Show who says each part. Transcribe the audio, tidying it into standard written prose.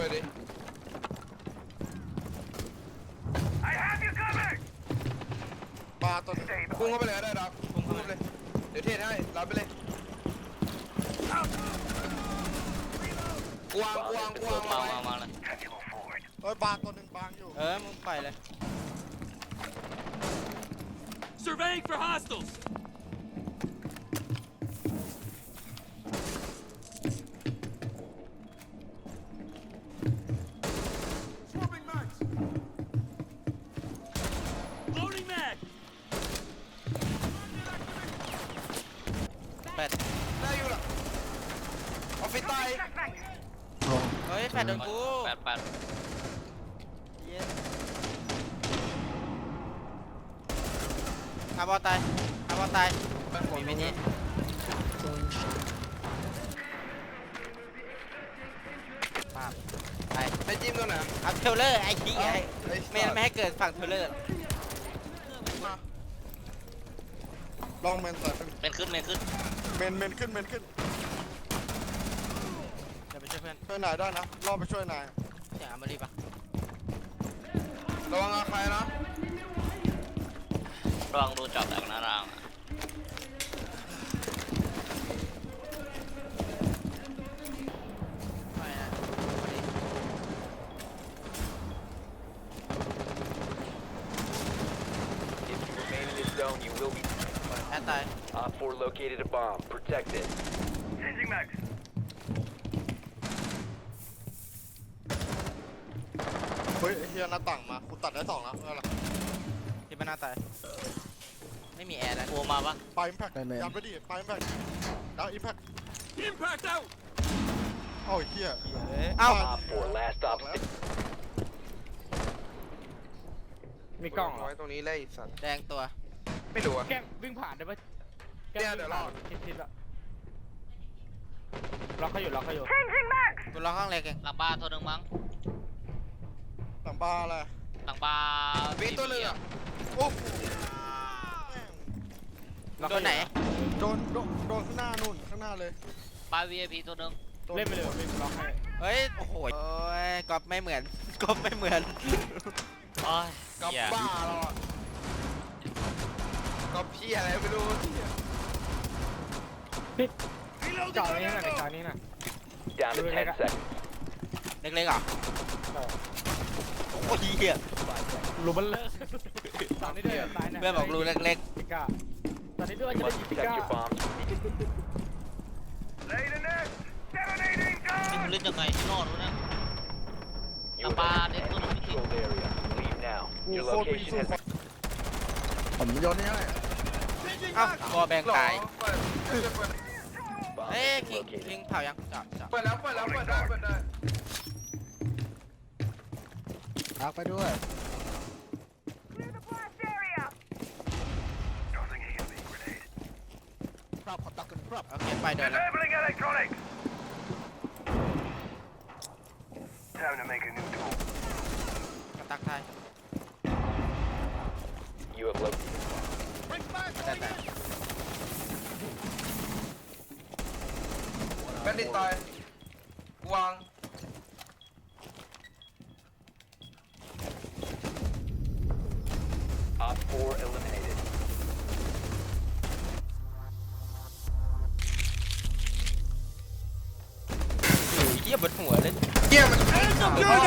Speaker 1: วยดิปลาตัวนึงพุ่งเข้าไปเลยได้ดับพุ่งเข้าไปเลยเดี๋ยวเทศให้รับไปเลยกวาง
Speaker 2: มาเลย
Speaker 1: บางตัวนึงบางอยู่
Speaker 3: มึงปล่อยเลย
Speaker 4: Surveying for hostiles. Swapping mags. Loading mag.
Speaker 3: แปด
Speaker 1: ได้อยู่ละออฟฟิศใต้
Speaker 3: เฮ้ยแปดโดนกู
Speaker 2: แปด
Speaker 3: เย็นอาบอลตายมีไม่ดีปาบไป
Speaker 1: ไอ้จิ้มตัวไหน
Speaker 3: เอาเทเลอร์ไอ้ขี้ไอ้ไม่ให้เกิดฝั่งเทเลอร์
Speaker 1: ลองเมนใส่
Speaker 2: เป็นขึ้น
Speaker 1: เมนขึ้น
Speaker 3: เดี๋ยวไปช่วยเพื่อน
Speaker 1: ช่วยนายได้นะรอไปช่วยนาย
Speaker 3: เสียงอามารีปะ
Speaker 1: ระวังอาใครนะ
Speaker 2: ลองดูจอบจากหน้าร่าง
Speaker 3: ไม่นะ
Speaker 5: If you remain in this zone, you will be.
Speaker 3: แอดตาย
Speaker 5: Op 4 located a bomb. Protect it.
Speaker 1: เฮ้ยไอ้เฮียหน้าต่างมากูตัดได้2แล้วอะไร
Speaker 3: ที่บ้านหน้าตายไม่มีแอร์แล้ว
Speaker 2: กลัวมาปะ
Speaker 1: ปลาอิมแพคยัดไปดิปลาอิมแพคแล้วอิมแพค
Speaker 4: Impact out.
Speaker 1: เอ้าไอ้เฮีย
Speaker 3: เอ้า
Speaker 5: Op 4 last stop.
Speaker 6: มีกล้องเหรอ
Speaker 1: ไว้ตรงนี้เลยสัตว์
Speaker 3: แดงตัว
Speaker 1: ไม่รู้อะ
Speaker 6: แกล้งวิ่งผ่านได้ปะแกล้ง
Speaker 1: เดี๋
Speaker 6: วิ่
Speaker 1: ยว
Speaker 6: งผ่าน
Speaker 1: รอ
Speaker 6: ทิศละล็อกเขาอยู่
Speaker 3: กูล็อกห้องเล็กเอง
Speaker 2: หลังบ้านตัวหนึ่งมั้ง
Speaker 1: หลังปลาอะไร
Speaker 2: หลังบ้าน
Speaker 1: มีตัวนึงอะโอ้โห
Speaker 3: ล็อกตัวไหน
Speaker 1: โดนข้างหน้านู่นข้างหน้าเลย
Speaker 2: บ้าน VIP ตัวหนึ่ง
Speaker 6: เล่นไปเลยวิ่งล็อกให้
Speaker 3: เฮ้ยโอ้โหก๊อปไม่เหมือนก๊อปไม่เหมือน
Speaker 2: โอ้ย
Speaker 1: กับ
Speaker 2: เหี้ย
Speaker 1: บ้าเราอะกับพี่อะไรไม่รู้
Speaker 6: จอดนี้หน่อยจอดนี้หน่อย
Speaker 5: Down to 10 seconds.
Speaker 3: เล็กๆเหรอโอ้ยเหี้ย
Speaker 6: รูบัลเลอร์ตอนนี้ด้วยตายนะ
Speaker 3: เพื่อนบอกรูเล็ก
Speaker 6: ปิก้าตอนนี้ด้วย
Speaker 5: You
Speaker 6: จะได้
Speaker 5: must
Speaker 6: ยิงปิ
Speaker 5: protect
Speaker 6: ก้า
Speaker 5: your bombs.
Speaker 2: นี่มันเล่นยังไงที่รอดวะเนี่ย
Speaker 5: You
Speaker 2: Apa,
Speaker 5: have
Speaker 2: dia
Speaker 5: entered
Speaker 2: turun
Speaker 5: the
Speaker 2: ni.
Speaker 5: controlled area. Leave now.
Speaker 1: กู
Speaker 5: Your
Speaker 1: โคตรวิ่ง
Speaker 5: location
Speaker 1: สู้
Speaker 5: has
Speaker 1: ผมโยนนี่ให้
Speaker 3: ๆเอ้าบอแบงตาย
Speaker 5: bomb
Speaker 3: เอ้ย
Speaker 5: has
Speaker 3: คิง
Speaker 5: been
Speaker 3: คิ
Speaker 5: located.
Speaker 3: งเผายังจับ
Speaker 1: เปิดแล้วเปิดได้พักไปด้วย
Speaker 3: โอเคไปเดินแล้ว กระตักไทย
Speaker 5: You have located.
Speaker 3: แต่
Speaker 1: แบนดิตตายวาง
Speaker 5: Op 4 eliminated.
Speaker 3: เหี้ยบนหัวเลย
Speaker 1: เฮียมัน